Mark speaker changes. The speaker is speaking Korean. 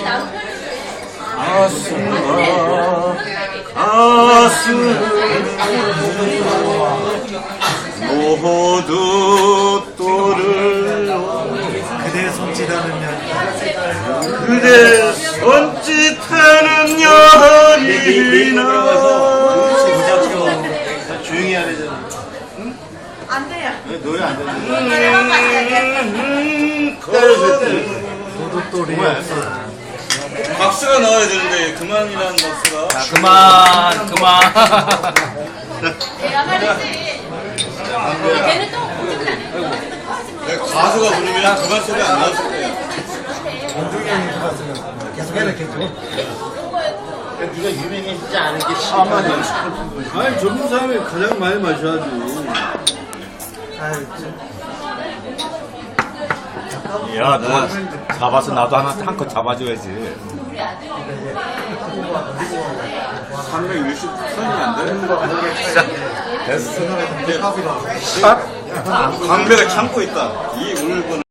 Speaker 1: 모두 또를
Speaker 2: 그대 손짓하는 년
Speaker 1: 그대 손짓하는 여인아
Speaker 2: 조용히 해야 되잖아.
Speaker 3: 안 돼요.
Speaker 2: 노래 안 되는
Speaker 1: 뭐야 박수가 나와야 되는데 그만이라는 박수가
Speaker 4: 그만.
Speaker 3: 내가 말했지. 걔는 또 공격을 안 해.
Speaker 1: 가수가 부르면 그만 소리 안 나왔을 거예요.
Speaker 2: 원종이 형이 들어왔으면 계속 해라 계속.
Speaker 5: 네가 유명해지지 않은 게 심하네.
Speaker 6: 아니 젊은 사람이 가장 많이 마셔야지.
Speaker 2: 아유,
Speaker 4: 야, 누가 잡아서 나도 한 컷 잡아줘야지.
Speaker 1: 360 선이 안 돼?
Speaker 4: 됐어.
Speaker 1: 광배가 참고 있다. 이 울고는